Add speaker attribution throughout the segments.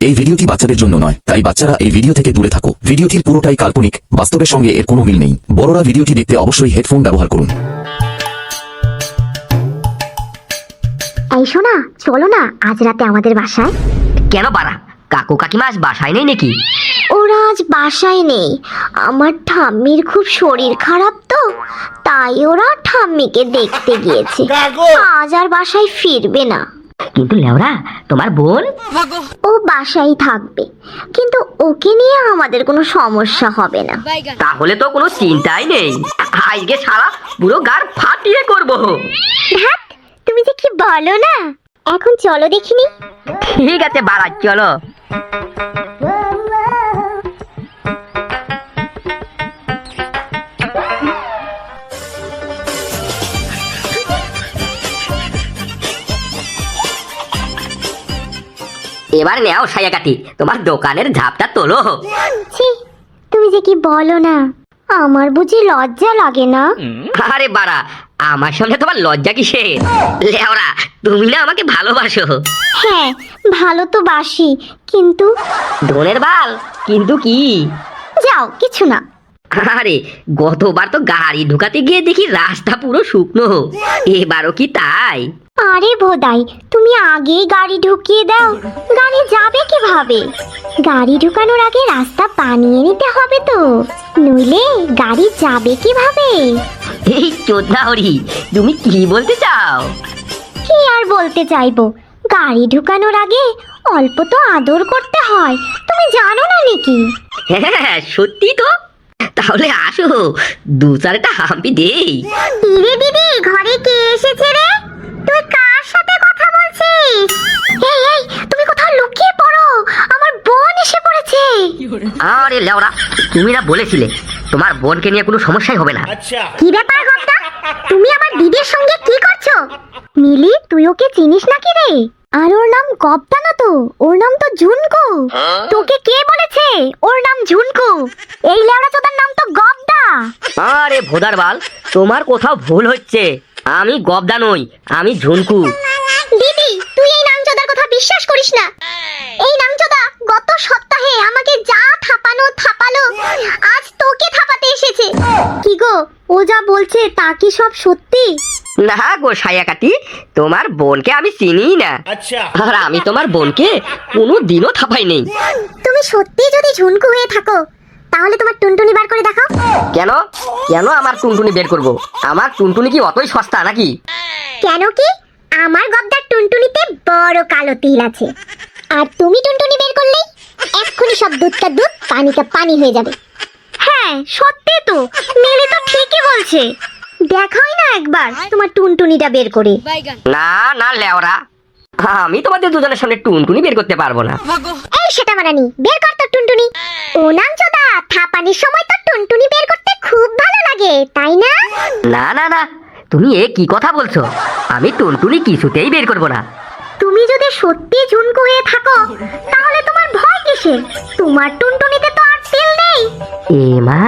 Speaker 1: এই ভিডিওটি বাচ্চাদের জন্য নয়, তাই বাচ্চারা এই ভিডিও থেকে দূরে থাকো। ভিডিওটির পুরোটাই কাল্পনিক, বাস্তবের সঙ্গে এর কোনো মিল নেই। বড়রা ভিডিওটি দেখতে অবশ্যই হেডফোন ব্যবহার করুন।
Speaker 2: এই শোনা, চলো না আজ রাতে আমাদের বাসায়।
Speaker 3: কেন বাড়া, কাকু কাকিমা আজ বাসায় নেই নাকি?
Speaker 2: ওরা আজ বাসায় নেই, আমার ঠাম্মির খুব শরীর খারাপ তো, তাই ওরা ঠাম্মিকে দেখতে গিয়েছে। আজ আর বাসায় ফিরবে না।
Speaker 3: কিন্তু লেওরা, তোমার বোন?
Speaker 2: ও বাসায় থাকবে, কিন্তু ওকে নিয়ে আমাদের কোনো সমস্যা হবে না।
Speaker 3: তাহলে তো কোনো চিন্তাই নেই, আজকে সারা পুরো গার ফাটিয়ে করবো।
Speaker 2: ধ্যাৎ, তুমি যে কি বলো না। এখন চলো দেখিনি।
Speaker 3: ঠিক আছে বাড়া, চলো। এবার নেও সায়াকাটি, তোমার দোকানের ঝাপটা তোলো।
Speaker 2: ছি, তুমি যে কি বলো না। আমার বুঝি লজ্জা লাগে না?
Speaker 3: আরে বাড়া, আমার সঙ্গে তোমার লজ্জা কিসের? লেওরা, তুমি না আমাকে ভালোবাসো।
Speaker 2: হ্যাঁ, ভালো তো বাসি, কিন্তু
Speaker 3: ধনের বাল, কিন্তু কি?
Speaker 2: যাও, কিছু না।
Speaker 3: আরে গতবার তো গাড়ি ঢুকাতে গিয়ে দেখি রাস্তা পুরো শুকনো, এবারও কি তাই?
Speaker 2: আরে ভোদাই, তুমি আগেই গাড়ি ঢুকিয়ে দাও, গাড়ি যাবে কিভাবে? গাড়ি ঢুকানোর আগে রাস্তা বানিয়ে নিতে হবে তো, নইলে গাড়ি যাবে কিভাবে?
Speaker 3: এই চোদনা হরি, তুমি কি বলতে চাও?
Speaker 2: কি আর বলতে চাইবো, গাড়ি ঢুকানোর আগে অল্প তো আদর করতে হয়, তুমি জানো না নাকি?
Speaker 3: হ্যাঁ সত্যি তো। তাহলে আসো, দু চারটা হাম্পি দেই।
Speaker 2: রে দিদি, ঘরে কে এসেছে রে? তুই কার সাথে কথা বলছিস? এই এই, তুমি কোথাও লুকিয়ে পড়ো, আমার বোন এসে পড়েছে।
Speaker 3: আরে লেওরা, তুমি না বলেছিলে তোমার বোনকে নিয়ে কোনো সমস্যাই হবে না?
Speaker 2: কি ব্যাপার গপ্তা, তুমি আমার দিদির সঙ্গে কি করছো? মিলি, তুই ওকে চিনিস নাকি রে? আর ওর নাম গপ্তা না তো, ওর নাম তো ঝুনকু। তোকে কে বলেছে ওর নাম ঝুনকু? এই লেওড়া চোদার নাম তো গপ্তা।
Speaker 3: আরে ভোদার বাল, তোমার কোথাও ভুল হচ্ছে, আমি গবদা নই, আমি ঝুনকু।
Speaker 2: দিদি, তুই এই নামচোদার কথা বিশ্বাস করিস না। এই নামচোদা গত সপ্তাহে আমাকে যা থাপালো, আজ তোকে থাপাতে এসেছে। কি গো, ও যা বলছে তা কি সব সত্যি?
Speaker 3: না গো সায়াকাটি, তোমার বোনকে আমি চিনি না। আর আমি তোমার বোনকে কোনো দিনও থাপাই নেই।
Speaker 2: তুমি সত্যি যদি ঝুনকু হয়ে থাকো, তাহলে তোমার টুনটুনি বার করে দেখাও।
Speaker 3: কেন কেন আমার টুনটুনি বের করব? আমার টুনটুনি কি অতই সস্তা নাকি?
Speaker 2: কেন কি, আমার গদ্দার টুনটুনিতে বড় কালো তিল আছে, আর তুমি টুনটুনি বের করলেই এক্ষুনি সব দুধটা দুধ, পানিটা পানি হয়ে যাবে। হ্যাঁ সত্যি তো, মিলি তো ঠিকই বলছে। দেখাই না একবার তোমার টুনটুনিটা বের করে।
Speaker 3: না না লেওরা, আমি তোমাদের দুজনের সামনে টুনটুনি বের করতে পারবো না।
Speaker 2: এই সেটা মারানি, বের কর তোর টুনটুনি। ও নাম চোদা, থাপানির সময় তো টুনটুনি বের করতে খুব ভালো লাগে, তাই না?
Speaker 3: না না না, তুমি এ কি কথা বলছো? আমি টুনটুনি কিছুতেই বের করবো না।
Speaker 2: তুমি যদি সত্যি ঝুনকু হয়ে থাকো, তাহলে তোমার ভয় কিসের? তোমার টুনটুনিতে তো আর তেল নেই।
Speaker 3: এ মা,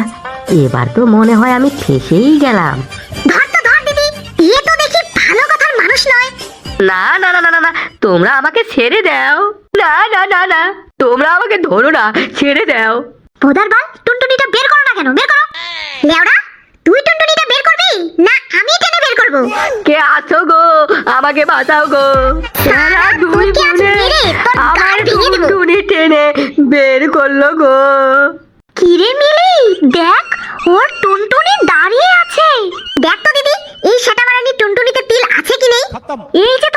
Speaker 3: এবার তো মনে হয় আমি ফেসেই গেলাম।
Speaker 2: ধর তো ধর দিদি, এ তো দেখি ভালো কথার মানুষ নয়।
Speaker 3: না না না না না না, তোমরা আমাকে ছেড়ে দাও। না না না না, তোমরা আমাকে ধরো না, ছেড়ে দাও।
Speaker 2: ভোদার বাল, টুনটুনিটা বের করো না কেন? বের করো। লেওড়া, তুই টুনটুনিটা বের করবি না আমি টেনে বের করব?
Speaker 3: কে আছো গো, আমাকে বাঁচাও গো। এরা দুই
Speaker 2: তোকে আজ
Speaker 3: বোনে
Speaker 2: মেরে তোর
Speaker 3: আমার
Speaker 2: গাল ভেঙে দেব।
Speaker 3: টুনটুনি টেনে বের করলো গো।
Speaker 2: কি রে মিলি, দেখ ওর টুনটুনি দাঁড়িয়ে আছে। দেখ তো দিদি, এই সেটা মারানি টুনটুনিতে তিল আছে কি নেই? এই যে